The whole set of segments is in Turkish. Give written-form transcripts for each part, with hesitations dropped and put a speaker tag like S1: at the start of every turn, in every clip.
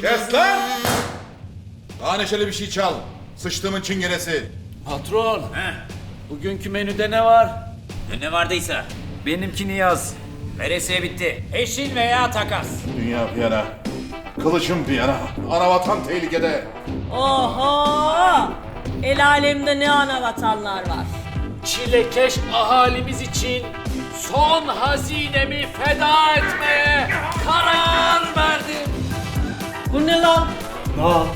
S1: Kes lan! Daha neşeli bir şey çal. Sıçtığımın çingenesi.
S2: Patron, bugünkü menüde ne var?
S3: Ne vardıysa.
S2: Benimkini yaz.
S3: Veresiye bitti. Peşin veya takas.
S1: Dünya bir yana. Kılıçım bir yana. Anavatan tehlikede.
S4: Oho! El alemde ne ana vatanlar var.
S2: Çilekeş ahalimiz için son hazinemi feda etmeye karar verdim.
S4: Bu ne lan?
S1: Nal.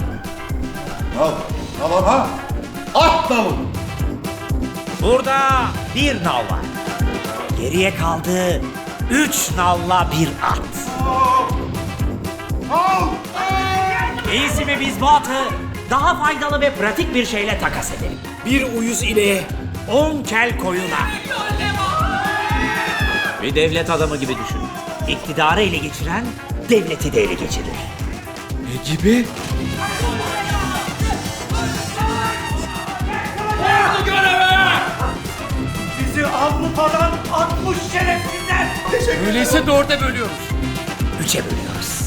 S1: Nal ama. At nalı.
S3: Burada bir nal var. Geriye kaldı 3 nalla bir at. İyisi mi biz bu atı daha faydalı ve pratik bir şeyle takas edelim. Bir uyuz ile 10 kel koyuna. Bir devlet adamı gibi düşün. İktidarı ele geçiren devleti de ele geçirir.
S2: Ne gibi?
S3: Bizi Avrupa'dan atmış şerefsizler.
S2: Öyleyse dörde bölüyoruz.
S3: 3'e bölüyoruz.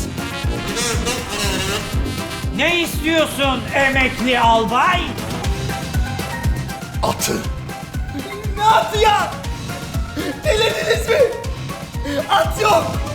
S3: Ne istiyorsun emekli albay?
S1: Atı.
S4: Ne atı ya? Delirdiniz mi? At yok.